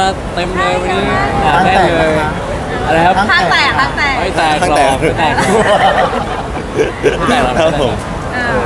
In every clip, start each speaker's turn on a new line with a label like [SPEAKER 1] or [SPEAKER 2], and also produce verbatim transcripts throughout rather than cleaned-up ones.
[SPEAKER 1] มาเต็มเลยวันนี้หนาแน่นเลยอะไรครับ
[SPEAKER 2] ข้างแตกข้างแตก
[SPEAKER 1] ไม่แตกหรอกไม่แตกไม่แตกหรอก
[SPEAKER 3] ครับผม
[SPEAKER 2] เออ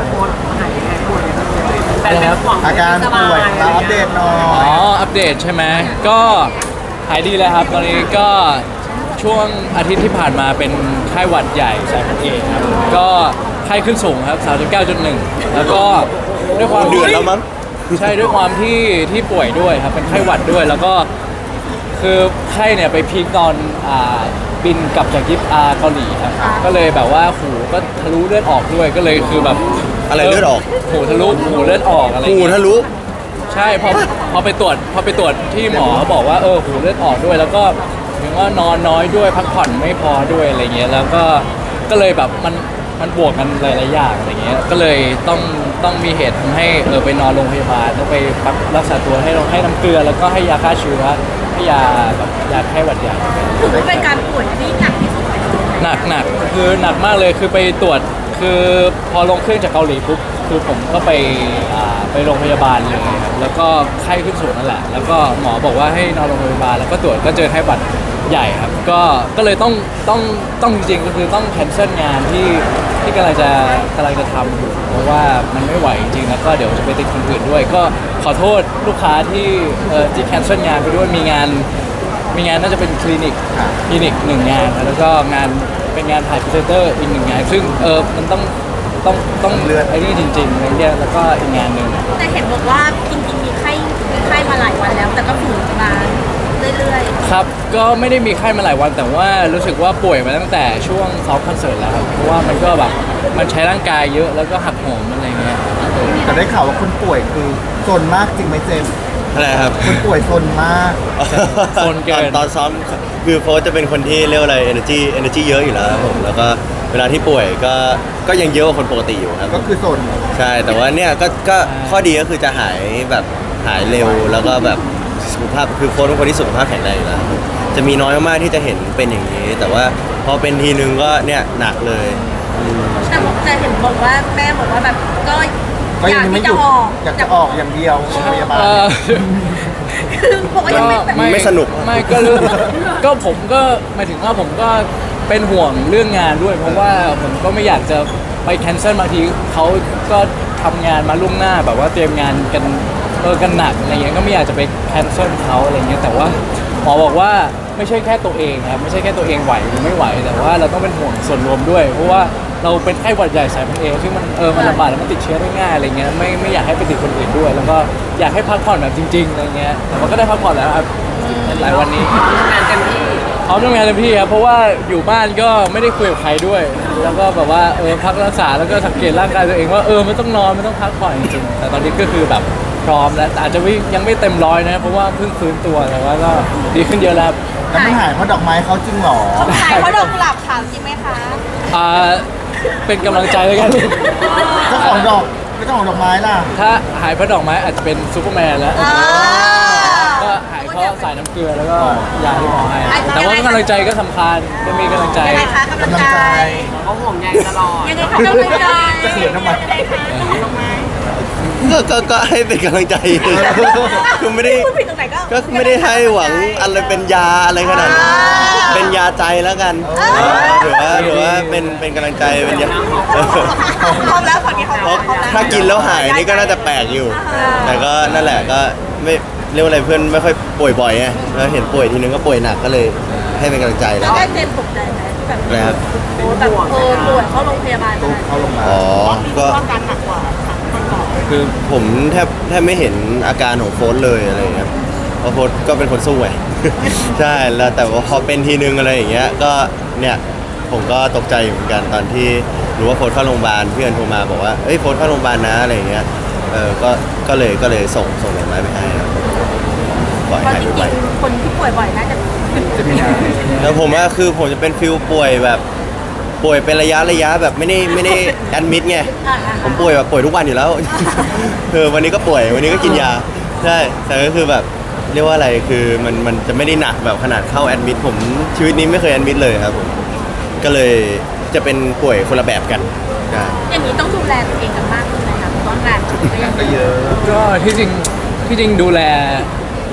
[SPEAKER 1] อะไรครับ
[SPEAKER 4] อาการป่วยเราอัปเดตหน่อ
[SPEAKER 1] อ๋อย อัปเดตใช่ไหมก็หายดีแล้วครับ ตอนนี้ก็ช่วงอาทิตย์ที่ผ่านมาเป็นไข้หวัดใหญ่สายพันธุ์เอครับก็ไข้ขึ้นสูงครับ สามสิบเก้าจุดหนึ่ง แล้วก็ด้วยความ
[SPEAKER 3] เดือดแล้วมั้ง
[SPEAKER 1] ใช่ด้วยความที่ที่ป่วยด้วยครับเป็นไข้หวัดด้วยแล้วก็คือไข้เนี่ยไปพีคตอนอ่าบินกลับจากญี่ปุ่นอ่าเกาหลีครับก็เลยแบบว่าหูก็ทะลุเลือดออกด้วยก็เลยคือแบบ
[SPEAKER 3] อะไรเลือดออก
[SPEAKER 1] หูทะลุหูเลือดออกอะไรอย่าง
[SPEAKER 3] หู
[SPEAKER 1] เงี้ย
[SPEAKER 3] ทะลุ
[SPEAKER 1] ใช่พอพอไปตรวจพอไปตรวจที่หมอเขาบอกว่าเออหูเลือดออกด้วย แล้วก็ถึงว่านอนน้อยด้วยพักผ่อนไม่พอด้วยอะไรเงี้ยแล้วก็ก็เลยแบบมันมันบวกกันหลายๆอย่างอะไรเงี้ยก็เลยต้องต้องมีเหตุทำให้เออไปนอนโรงพยาบาลต้องไปพักรักษาตัวให้ให้น้ำเกลือแล้วก็ให้ยาฆ่าเชื้อให้ยาแบบยาไข้หวัดใหญ่
[SPEAKER 2] ถือว่าเป็นการป่วยที่หนักที่สุดในชีวิต
[SPEAKER 1] หนักหนักคือหนักมากเลยคือไปตรวจคือพอลงเครื่องจากเกาหลีปุ๊บคือผมก็ไปอ่าไปโรงพยาบาลเลยครับแล้วก็ไข้ขึ้นสูงนั่นแหละแล้วก็หมอบอกว่าให้นอนโรงพยาบาลแล้วก็ตรวจก็เจอไข้หวัดใหญ่ครับก็ก็เลยต้องต้องต้องจริงๆก็คือต้องแคนเซิลงานที่ที่กำลังจะกำลังจะทำอยู่เพราะว่ามันไม่ไหวจริงๆแล้วก็เดี๋ยวจะไปติดคนอื่นด้วย ก็ขอโทษลูกค้าที่เอ่อที่แคนเซิลงานไปด้วยมีงาน มีงานน่าจะเป็นคลินิกคลินิกหนึ่งงานครับแล้วก็งานเป็นงานถ่ายพรีเซนเตอร์อีกหนึ่งงานซึ่งเออมันต้องต้องต้องเลือดไอ้นี่จริงๆอะไรเงี้ยแล้วก็อีกงานหนึ่ง
[SPEAKER 2] แต่เห็นบอกว่าจริงๆมีไข้มีไข้มาหลายวันแล้ว แต่ก็ฝืนมาเรื่อย
[SPEAKER 1] ครับก็ไม่ได้มีไข้มาหลายวันแต่ว่ารู้สึกว่าป่วยมาตั้งแต่ช่วงซ้อมคอนเสิร์ตแล้วครับเพราะว่ามันก็แบบมันใช้ร่างกายเยอะแล้วก็หักโหมอะไรเงี้ย
[SPEAKER 4] แต่ได้ข่าวว่าคนป่วยคือโซนมากจริงไหมเจมส์
[SPEAKER 3] อะไรครับ
[SPEAKER 4] คนป่วยโซนมาก
[SPEAKER 1] โซนเกิน
[SPEAKER 3] ตอนตอนซ้อมคือโฟสจะเป็นคนที่เรียกว่าอะไร energy energy เยอะอยู่แล้วครับผมแล้วก็เวลาที่ป่วยก็ก็ยังเยอะกว่าคนปกติอยู่ครับ
[SPEAKER 4] ก็คือโซน
[SPEAKER 3] ใช่แต่ว่าเนี่ยก็ก็ข้อดีก็คือจะหายแบบหายเร็วแล้วก็แบบสุขภาพคือโฟสเป็นคนที่สุขภาพแข็งแรงอยู่แล้วครับจะมีน้อยมากๆที่จะเห็นเป็นอย่างนี้ แต่ว่าพอเป็นทีนึงก็เนี่ยหนักเลยอืม
[SPEAKER 2] ๆแต่แต่เห็นบอกว่าแม่บอกว่าแบบก็
[SPEAKER 4] ก็
[SPEAKER 2] อ
[SPEAKER 4] ยั
[SPEAKER 2] ยาง ก
[SPEAKER 4] ไม่
[SPEAKER 2] ที่
[SPEAKER 4] ห
[SPEAKER 2] จะ
[SPEAKER 4] ยุด
[SPEAKER 2] ออก
[SPEAKER 4] อยากจะออกอย่างเดียวโรงพยาบาล
[SPEAKER 1] เอ่อ
[SPEAKER 2] คือบอกว่ายังไม่แบบ
[SPEAKER 3] ไม่สนุก
[SPEAKER 1] ไม่ก็เรื่องก็ผมก็หมายถึงว่าผมก็เป็นห่วงเรื่องงานด้วย เพราะว่าผมก็ไม่อยากจะไปแคนเซิลบางทีเขาก็ทำงานมาล่วงหน้าแบบว่าเตรียมงานกันเออกันหนักอะไรเงี้ยก็ไม่อยากจะไปแคนเซิลเขาอะไรเงี้ยแต่ว่าหมอบอกว่าไม่ใช่แค่ตัวเองครับไม่ใช่แค่ตัวเองไหวหรือไม่ไหวแต่ว่าเราต้องเป็นห่วงส่วนรวมด้วย เพราะว่าเราเป็นไข้หวัดใหญ่สายพันธุ์เอซึ่งมันเออมันระบาดแล้วมันติดเชื้อได้ง่ายอะไรเงี้ยไม่ไม่อยากให้ไปติดคนอื่นด้วย แล้วก็อยากให้พักผ่อนแบบจริงๆอะไรเงี้ยแต่ว่าก็ได้พักผ่อนแล้วครับหลายวันนี้งานเต็มที่เขาทำงานเต็มที่ครับเพราะว่าอยู่บ้านก็ไม่ได้คุยกับใครด้วย แล้วก็แบบว่าเออพักรักษาแล้วก็สังเกตร่างกายตัวเองว่าเออมันต้องนอนมันต้องพักผ่อนจริงๆแต่ตอนนี้ก็คือแบบพร้อมแล้วแต่อาจจะไม่ยังไม่เต็มร้อยนะเพราะว่าเพิ่งฟื้นตัวแต่ว่าก็ดีขึ้นเยอะแล้ว
[SPEAKER 4] แล้วไม่หายเพราะดอกไม้เขาจริงเหรอ
[SPEAKER 2] เขาขายเพราะดอกกุหลาบขาวจริงไหมคะ
[SPEAKER 1] อ่าเป็นกำลังใจแล้วกัน
[SPEAKER 4] เจ้าของดอกไม่เจ้าของดอกไม้ล่ะ
[SPEAKER 1] ถ้าหายเพราะดอกไม้อาจจะเป็นซูเปอร์แมนแล้ว
[SPEAKER 2] อ่า
[SPEAKER 1] ก็หายเพราะสายน้ำเกลือแล้วก็ยาที่หมอให้แต่ว่ากำลังใจก็สำคัญจะมีกำลังใจ
[SPEAKER 2] ยังไงคะกำลังใจ
[SPEAKER 5] เขาห่วงใยตลอด
[SPEAKER 2] ยังไงคะกำลังใจ
[SPEAKER 4] จะเขินทำไม
[SPEAKER 2] ยังไงคะดอกไม้
[SPEAKER 3] ก็ก็ก็ให้เป็นกำลังใจ คือไม่ได้
[SPEAKER 2] พูดผิดตรงไหนก็
[SPEAKER 3] ก็ไม่ได้ให้หวังอะไรเป็นยาอะไรขนาดนั้นเป็นยาใจแล้วกันเออถือว่าถือว่าเป็นเป็นกำลังใจเป็นยา
[SPEAKER 2] พร้อมแล้วฝั่งนี้เขา
[SPEAKER 3] เพราะถ้ากินแล้วหายนี่ก็น่าจะแปลกอยู่ แต่ก็นั่นแหละก็ไม่เรียกว่าอะไรเพื่อนไม่ค่อยป่วยบ่อยไงแล้วเห็นป่วยทีนึงก็ป่วยหนักก็เลยให้เป็นกำลังใจ
[SPEAKER 2] แล้
[SPEAKER 3] แล้ว ว
[SPEAKER 2] ได้เจมส์ตกใจไหมที่แบบ
[SPEAKER 3] นะครับ
[SPEAKER 2] โอ้แบบเออป่วยเข้าโรงพยาบาล
[SPEAKER 4] ตุ๊กเขาลงมา
[SPEAKER 3] อ๋อก็
[SPEAKER 2] อาการหนักกว่าคนก่อน
[SPEAKER 3] คือผมแทบแทบไม่เห็นอาการของโฟสเลยอะไรอย่างเงี้ยเพราะโฟสก็เป็นคนสู้ไง ใช่แล้วแต่ว่าพอเป็นทีนึงอะไรอย่างเงี้ยก็เนี่ยผมก็ตกใจอยู่เหมือนกันตอนที่รู้ว่าโฟสเข้าโรงพยาบาลเพื่อนโทรมาบอกว่าเอ้ยโฟสเข้าโรงพยาบาลนะอะไรอย่างเงี้ยเออก็ก็เลยก็เลยส่งส่งดอกไม้ไปให้ครับปล่อย
[SPEAKER 2] เพราะ
[SPEAKER 3] หาย
[SPEAKER 2] จ
[SPEAKER 3] ไป
[SPEAKER 2] ริงๆคนที่ป่วยบ่อยน่าจะ
[SPEAKER 4] จะมีนา
[SPEAKER 3] แล้วผมว่าคือผมจะเป็นฟิลป่วยแบบป่วยเป็นระยะระยะแบบไม่ได้ไม่ได้แอดมิดไง ผมป่วยแบบป่วยทุกวันอยู่แล้ว คือวันนี้ก็ป่วยวันนี้ก็กินยาใช่แต่ก็คือแบบเรียกว่าอะไรคือมันมันจะไม่ได้หนักแบบขนาดเข้าแอดมิดผมชีวิตนี้ไม่เคยแอดมิดเลยครับผมก็เลยจะเป็นป่วยคนละแบบกันใช่
[SPEAKER 2] อย่างนี้ต้องดูแลตัวเองกันมากขึ้นไหมคะเพราะว่างานก็ยัง
[SPEAKER 4] ก็เยอะ
[SPEAKER 1] ก็ที่จริงที่จริงดูแล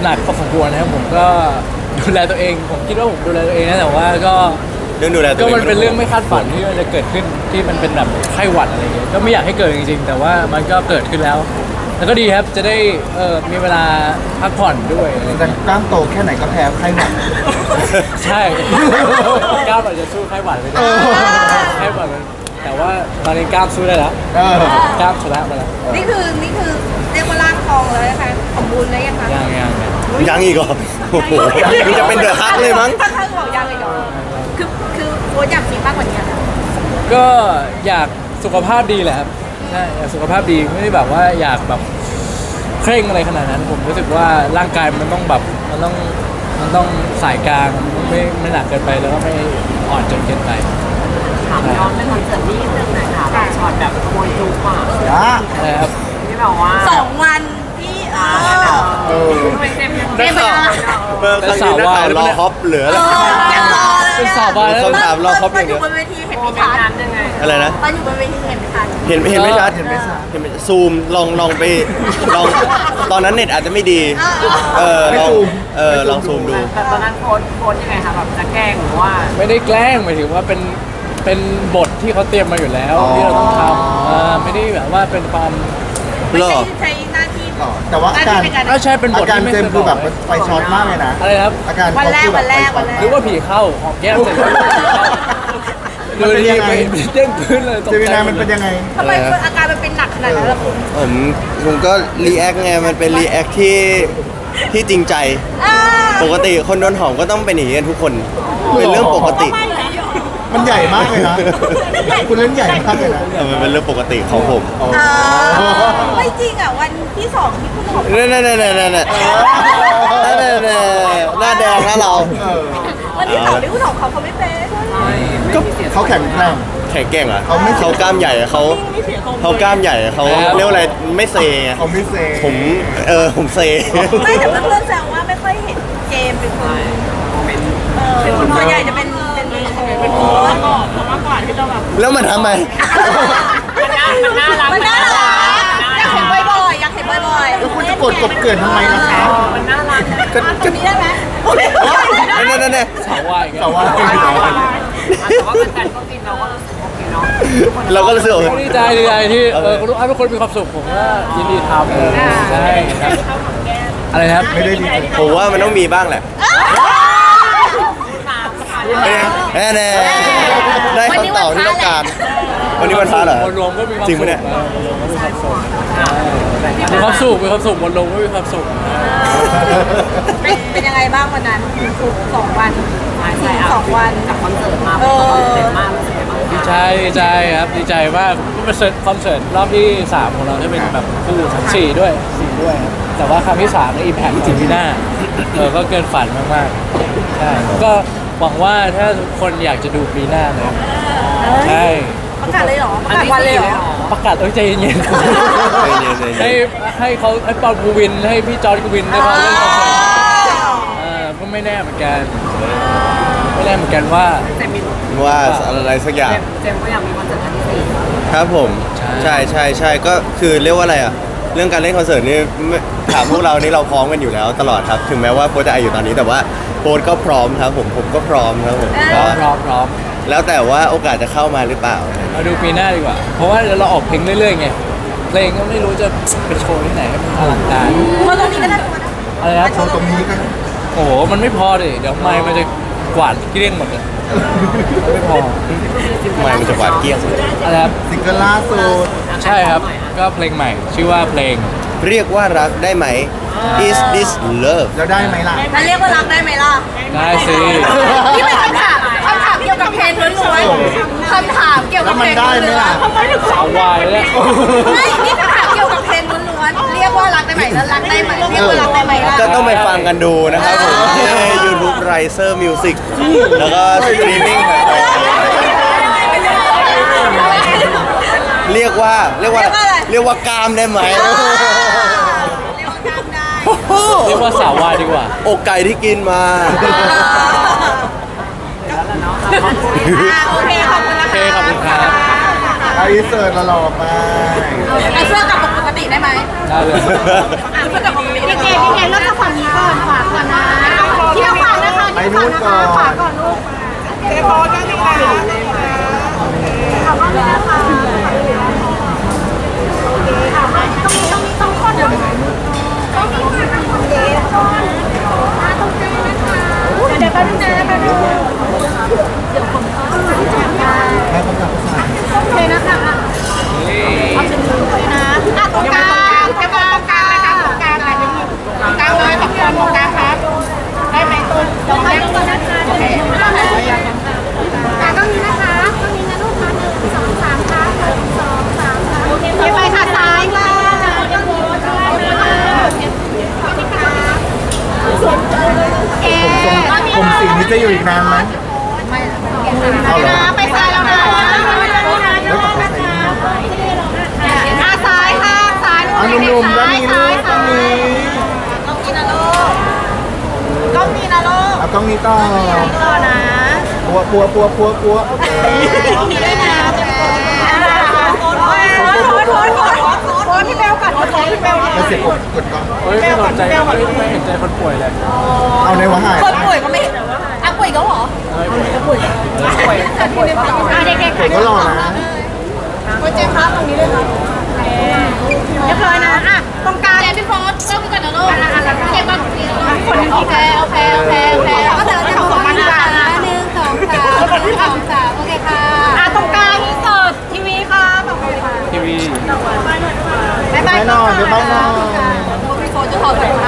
[SPEAKER 1] หนักพอสมควรนะครับผมก็ดูแลตัวเองผมคิดว่าผมดูแลตัวเองนะแต่ว่าก็
[SPEAKER 3] เรื่องดูแลตัว
[SPEAKER 1] ก็
[SPEAKER 3] เอง
[SPEAKER 1] มันเป็นเรื่องไม่คาดฝันที่มันจะเกิดขึ้นที่มันเป็นแบบไข้หวัดอะไรอย่างเงี้ยก็ไม่อยากให้เกิดจริงๆแต่ว่ามันก็เกิดขึ้นแล้วแล้วก็ดีครับจะได้เออมีเวลาพักผ่อนด้วยอะไรอย่าง
[SPEAKER 4] แต่
[SPEAKER 1] เงี้ย
[SPEAKER 4] กล้ามโตแค่ไหนก็แพ้ไข้หวัด
[SPEAKER 1] ใช่ ก้าวอาจจะสู้ไข้หวัดไม่ได้
[SPEAKER 4] เออ
[SPEAKER 1] ไข้หวัดมันแต่ว่าตอนนี้ก้าวสู้ได้แล้ว
[SPEAKER 4] เออ
[SPEAKER 1] ก้าวชนะมาแล้ว
[SPEAKER 2] นี่คือนี่คือเรียกว่าร่างทองเลยนะคะสมบูรณ์แล้วยังคะ
[SPEAKER 1] ยังยังยัง
[SPEAKER 3] ยังอีกเหรอโอ้โหนี่จะเป็นเดอะฮักเลยมั้ง
[SPEAKER 2] ถ้าถ้าบอกยังเลยเหรอคือคือโค้ชอยากมีมากกว่านี้นะ
[SPEAKER 1] ก็อยากสุขภาพดีแหละครับใช่อยากสุขภาพดีไม่ได้แบบว่าอยากแบบเคร่งอะไรขนาดนั้น ผมรู้สึกว่าร่างกายมันต้องแบบมันต้องมันต้องสายกลางมันไม่ไม่หนักเกินไปแล้วก็ไม่อ่อนจนเกินไป
[SPEAKER 5] ถามย้อนไปคอนเสิร์ตนี้เรื่องไหนคะแบบช็อตแบบขโมยจูบอ่ะ
[SPEAKER 4] ยะ
[SPEAKER 1] อะไรครับ
[SPEAKER 5] ที่แบบว่า
[SPEAKER 2] สองวันที่เออ
[SPEAKER 4] เออ
[SPEAKER 5] ทำไมเจมส์ยัง
[SPEAKER 2] เรียกไปนะ
[SPEAKER 3] เมื่อครั้งนี้นักข่าวรอฮอปเหลือ
[SPEAKER 2] เอ
[SPEAKER 3] แล้ว
[SPEAKER 2] อยังรอเลย
[SPEAKER 1] เป็นสาววายแล้ว
[SPEAKER 3] คำถามรอครบ
[SPEAKER 2] ต
[SPEAKER 3] อ
[SPEAKER 2] อน
[SPEAKER 3] ย่าง
[SPEAKER 2] อ
[SPEAKER 3] เดียว
[SPEAKER 2] ยู่บนเวทีเห็น
[SPEAKER 5] โม
[SPEAKER 2] ไม่
[SPEAKER 5] เมน
[SPEAKER 2] ชัด
[SPEAKER 5] ต์นั้นยังไง
[SPEAKER 3] อะไรนะ
[SPEAKER 2] ตอนอยู่บนเวทีเห็นไม่ชัด
[SPEAKER 3] เห็นเห็นไม่ชัด
[SPEAKER 4] เห็นไหมจ๊ะ
[SPEAKER 3] เห็นไหมซูมลองลองไปลองตอนนั้นเน็ตอาจจะไม่ดี เออลองเออลองซูมดู
[SPEAKER 5] แต่ตอนนั้นโค้ชโค้ชยังไงคะแบบจะแกล้งหรือว่า
[SPEAKER 1] ไม่ได้แกล้งหมายถึงว่าเป็นเป็นบทที่เขาเตรียมมาอยู่แล้ว
[SPEAKER 4] อ๋อ
[SPEAKER 1] ที่เราต้องทำเออไม่ได้แบบว่าเป็นความ
[SPEAKER 2] ไม่
[SPEAKER 3] เหร
[SPEAKER 2] ใช่
[SPEAKER 3] อ
[SPEAKER 2] ใช้หน้าที่
[SPEAKER 4] ต่อแต่ว่าอาการ
[SPEAKER 2] หน้ที่ในการ
[SPEAKER 1] ถ้าใช่เป็นบ
[SPEAKER 4] อา
[SPEAKER 1] ท
[SPEAKER 4] การ
[SPEAKER 1] ที่ไม่
[SPEAKER 4] เจ
[SPEAKER 1] เค
[SPEAKER 4] ม
[SPEAKER 1] ย
[SPEAKER 4] ส์
[SPEAKER 1] บ
[SPEAKER 4] คือ
[SPEAKER 1] อก
[SPEAKER 4] แบบไฟช็อตมากเลยนะ
[SPEAKER 1] อะไรครับ
[SPEAKER 4] อาการ
[SPEAKER 2] วันแรก
[SPEAKER 4] เขาคือ
[SPEAKER 2] วันแรก
[SPEAKER 4] ไฟช็อต
[SPEAKER 2] วันแร
[SPEAKER 1] หรือว่าผีเข้าหอมแก้มเสร็จแล้วผีเข้า
[SPEAKER 4] มัน
[SPEAKER 1] ดู
[SPEAKER 4] เป็น
[SPEAKER 1] ดี
[SPEAKER 4] ยัง
[SPEAKER 1] ไป
[SPEAKER 4] ไง
[SPEAKER 1] เด้งพื้นเลยตก
[SPEAKER 4] เจมิ
[SPEAKER 1] ใจ
[SPEAKER 4] นายมันเป็นยังไง
[SPEAKER 2] ทำไมอาการมันเป็นหนักขนาดนั้นล่ะคุณ
[SPEAKER 3] ผมผมก็รีแอคไงมันเป็นรีแอคที่ที่จริงใจ
[SPEAKER 2] อ่า
[SPEAKER 3] ปกติคนโดนหอมก็ต้องเป็นอย่างนี้กันทุกคน เป็นเรื่องปกติ
[SPEAKER 4] มันใหญ่มากเลยนะ คุณเล่นใหญ่มากเลยนะ
[SPEAKER 3] เออมันเป็นเรื่องปกติของผม
[SPEAKER 4] อ๋อ
[SPEAKER 2] อ่าไม่จริงอ่ะวันที่สองที่คุณหอม
[SPEAKER 3] นั่นนั่นนั่นนั่นนั่นนั่นนั่นหน้าแดงนะเรา
[SPEAKER 4] เออ
[SPEAKER 2] วันที่สองที่คุณหอมเขาเขาไม่เป็น
[SPEAKER 4] ก็เขาแข็งแกร่ง
[SPEAKER 3] แข็งแกร่งเหรอ่ะ
[SPEAKER 4] เขาไม่
[SPEAKER 3] เขากล้ามใหญ่อะเขาเขากล้ามใหญ่อะเขาเรียกว่าอะไรไม่เซไง
[SPEAKER 4] เขาไม่เซ
[SPEAKER 3] ผมเออผมเซ
[SPEAKER 2] ไม่แต่เพื่อนๆแซวว่าไม่ค่อยเห็นเจมส์เป็นคน
[SPEAKER 5] โมเมนต์
[SPEAKER 2] เออส่วนใหญ่จะเป็นเป็นเป็นโค้ช
[SPEAKER 3] แล้วมันทำไม
[SPEAKER 5] มันน่ามันน่ารัก
[SPEAKER 2] มันน่ารักอยากเห็นบ่อยๆอยากเห็นบ่อยๆ
[SPEAKER 4] แล้วคุณจะกดกบเกินทำไมล่ะคะ
[SPEAKER 5] มันน่ารัก
[SPEAKER 3] ก็
[SPEAKER 2] ต
[SPEAKER 3] ก็
[SPEAKER 2] รงนี้ได้ไหม
[SPEAKER 3] นั่นนั่นนั่น
[SPEAKER 1] สาววายอีก
[SPEAKER 4] แต่
[SPEAKER 1] แล้ว
[SPEAKER 4] ว่า
[SPEAKER 5] แต่ว่าแฟนๆก็ฟินเราก็รู้สึกโอเคเนาะ
[SPEAKER 3] เราก็รู้สึกว่า
[SPEAKER 1] ดีใจดีใจที่เออทุกทุกคนมีความสุขผมก็ยินดีทำใช่ครับอะไรนะครับ
[SPEAKER 4] ไม่ได้ดีใจ
[SPEAKER 3] ผมว่ามันต้องมีบ้างแหละแน่แน่ๆได้คำตอบที่ต้องการ วันนี้วันพระเหรอ
[SPEAKER 1] มวลรวมก็มีความ
[SPEAKER 3] จริ
[SPEAKER 1] สุ
[SPEAKER 3] ง
[SPEAKER 1] ข
[SPEAKER 3] ปะเนี่ย
[SPEAKER 1] มีความสุขมีความสุขมวลรวมก็มีความสุข
[SPEAKER 2] เป็นเป็นยังไงบ้างวันนั้นสองวัน
[SPEAKER 5] ใช่ใช่
[SPEAKER 2] สองวัน
[SPEAKER 5] จากคอนเสิร์ตมาเป็นคอนเสิร์ตมากรู้สึกยังไงบ้าง
[SPEAKER 1] ดีใจดีใจครับดีใจมากก็เป็นคอนเสิร์ตรอบที่สามของเราที่เป็นแบบคู่ทั้งสี่ด้วยสี่ด้วยครับแต่ว่าครั้งที่สามในอิมแพคถึงที่หน้าเออก็เกินฝันมากๆใช่ก็หวังว่าถ้าทุกคนอยากจะดูปีหน้าเลยใช่
[SPEAKER 2] ประกาศเลยเหรอประกาศวันเลยเหรอ
[SPEAKER 1] ประกาศเอ้ยใจเย็น
[SPEAKER 3] ใจเย็นใจ
[SPEAKER 1] ๆ
[SPEAKER 3] เย็
[SPEAKER 1] ให้
[SPEAKER 3] น
[SPEAKER 1] ให้เขาให้ปอนกูวินให้พี่จอร์ดกูวินได้มาเล่นคอนเสิร์ตเออก็ไม่แน่เหมือนกันไม่แน่เหมือนกันว่า
[SPEAKER 5] เจมิน
[SPEAKER 3] ว่าอะไรสักอย่าง
[SPEAKER 5] เจมเจมก็อยากมีคอนเสิร์ตครั้งที่สี่
[SPEAKER 3] ครับผม
[SPEAKER 1] ใช่
[SPEAKER 3] ใช่ใช่ใช่ก็คือเรียกว่าอะไรอ่ะ เรื่องการเล่นคอนเสิร์ตนี่ไม่ถามพวกเรานี่เราพร้อมกันอยู่แล้วตลอดครับ ถึงแม้ว่าโค้ชจะอายุตอนนี้แต่ว่าโค้ชก็พร้อมครับผมผมก็พร้อมครับผม
[SPEAKER 1] พร้อ
[SPEAKER 3] ก็
[SPEAKER 1] มพร้อมพร้อม
[SPEAKER 3] แล้วแต่ว่าโอกาสจะเข้ามาหรือเปล่า
[SPEAKER 1] มาดูปีหน้าดีกว่า เพราะว่าเดี๋ยวเราออกเพลงเรื่อยๆไงเพลงก็ไม่รู้จะไปโชว์ที่ไหนให้มันอลังการ
[SPEAKER 2] เพราะตรงนี้ก็น่ากลัวนะ
[SPEAKER 1] อะไรนะ
[SPEAKER 4] โชว์ตรงนี้ก็
[SPEAKER 1] โอ้โหมันไม่พอดิเดี๋ยวไมค์มันจะกวาดเกลี้ยงหมดเลยไม่พอ
[SPEAKER 3] ไม่มันจะหวาดเกรี้ยว
[SPEAKER 1] อะไรครับ
[SPEAKER 4] ซิงเกิลล่าสุด
[SPEAKER 1] ใช่ครับก็เพลงใหม่ ชื่อว่าเพลง
[SPEAKER 3] เรียกว่ารักได้ไหม is this love
[SPEAKER 4] แล้วได้ไหมล่ะ
[SPEAKER 2] แล้วเรียกว่ารักได้ไหมล่ะ
[SPEAKER 1] ได้สิ
[SPEAKER 2] นี่เป็นคำถามคำถามเกี่ยวกับเพลงล้วนๆคำถามเกี่ยวกับเพลงล้วน
[SPEAKER 4] แล้วมันได้ไหมล่ะ
[SPEAKER 2] ๆทำไมถึง
[SPEAKER 1] สาววายแล้ว
[SPEAKER 2] ไม่นี่คำถามเกี่ยวกับเพลงล้วนๆเรียกว่ารักได้ไหมแล้วรักได้ไหมเรียกว่ารักได้ไหมล่ะ
[SPEAKER 3] ก็ต้องไปฟังกันดูนะครับผมที่ YouTube Riser Music แล้วก็สตรีมมิ่งเรียกว่าเรียกว่าเรียกว่ากามได้ไหม
[SPEAKER 2] เรียกว่าจำได้
[SPEAKER 1] เรียกว่าสาววายดีกว่า
[SPEAKER 3] อกไก่ที่กินมา
[SPEAKER 2] อ่าโอเคขอบคุณนะ
[SPEAKER 1] โอเค
[SPEAKER 2] คะ
[SPEAKER 1] ขอบคุณครับ
[SPEAKER 4] ไอเสิร์ตละหล่อไป
[SPEAKER 2] เอาเสื้อกลับปกติได้ไหม
[SPEAKER 1] ได้เลย
[SPEAKER 2] เอาเสื้อกลับปกติพี่เกพี่เกเริ่มจากฝั่งนี้ก่อน
[SPEAKER 4] นู่นก่อน
[SPEAKER 2] ขวาก่อนลูกเจ๊พอแค่นี้นะขอบคุณนะคะโอเคค่ะต้องมีต้องมีต้องคนเดี๋ยวต้องมีค่ะเจ๊ต้องมาตรงใจนะคะเดี๋ยวแป๊บนึงนะแป๊บนึงเดี๋ยวผมเอาแจ้งได้
[SPEAKER 4] แม่ต้องการผู้ชาย
[SPEAKER 2] โอเคนะคะเอาเป็นมือเลยนะอ่ะตรงกลางตรงกลางกลางนะคะตรงกลางอะไรจะมีตรงกลางเลยตรงกลางตรงกลางครับได้ไหมตูนตรงกลางตรงกลางนะคะโอเคอ่ะก็มีนะคะก็มีนะลูกค้าหนึ่งสองสามค่ะหนึ่งสองสามค่ะโอเคไปค่ะซ้ายค่ะยังมีด้วยนะคะโอเค
[SPEAKER 4] ผมสีนี้จะอยู่อีกนานไหม
[SPEAKER 2] เอาเหรอไปซ้ายแล้วนะอ่ะซ้ายค่ะซ้าย
[SPEAKER 4] เอาหนุ่มๆด้านนี้ลูกด้านนี้
[SPEAKER 2] ต้องกินนะลูกต้องมีนะลูก
[SPEAKER 4] เอากล้องนี้ต่อ
[SPEAKER 2] ต่อนะ
[SPEAKER 4] ปัวปัวปัวปัวปัว
[SPEAKER 2] ต้องมีด้วยนะโอนโอนโอนโอนโอนโอนโอนพี่เบลก่อนโอนพี่เบล
[SPEAKER 4] แล้วเสียงกดกดกล้อง
[SPEAKER 1] เฮ้ยไม่สนใจไม่ไม่เห็นใจคนป่วยเลย
[SPEAKER 4] เอาในวะหาย
[SPEAKER 2] คนป่วยก็ไม่อ่ะป่วยก็หรอ
[SPEAKER 1] เฮ้ยป่วยป่วย
[SPEAKER 2] อ่ะเด็กๆ
[SPEAKER 4] ผมก็รอนะ
[SPEAKER 2] โปรเจกต์ครับตรงนี้เลยครับเรียบร้อยนะอ่ะตรงกลางพี่โฟสต้องกันนะลูกอ่ะอ่ะแล้วเก็บก่อนคนนึงโอเคโอเคโอเคโอเคก็เดี๋ยวเราจะของมันกันนะหนึ่งสองสามหนึ่งสองสามโอเคค่ะอ่ะตรงกลางที่สุดทีวีค่ะแบบนี้ค่ะ
[SPEAKER 1] ทีวี
[SPEAKER 2] บ๊ายบาย
[SPEAKER 4] ไปนอนไปนอน
[SPEAKER 2] พี่โฟสจะถอดสายไฟ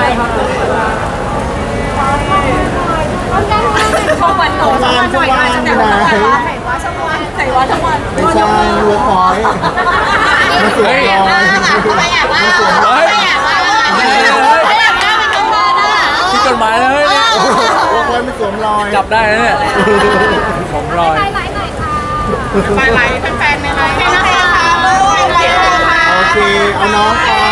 [SPEAKER 2] ช่องวันโตช่องวันหน่อยมาจะแบบว่าไหนวะช่องวันไหนวะช่องวัน
[SPEAKER 4] ไม่ใช่เวิร์คพอยต์มาสวมรอย
[SPEAKER 2] ไม่อยากว่า
[SPEAKER 4] มาสวมร
[SPEAKER 1] เฮ้
[SPEAKER 4] อย
[SPEAKER 1] ย
[SPEAKER 2] ไม่อยากว่าไม่อยากว่าเป็นช่องวันอ่ะ
[SPEAKER 1] ที่จดหมายเลยเนี่ย
[SPEAKER 4] เวิร์คพอยต์ไม่สวมรอย
[SPEAKER 1] จับได้นะเนี่ยผมรอย
[SPEAKER 2] ไปไลฟ์หน่อยค่ะไปไลฟ์แฟนๆในไลฟ์นะคะลูกไปไลฟ์ค่ะ
[SPEAKER 4] โอเค เอาน้องก่อน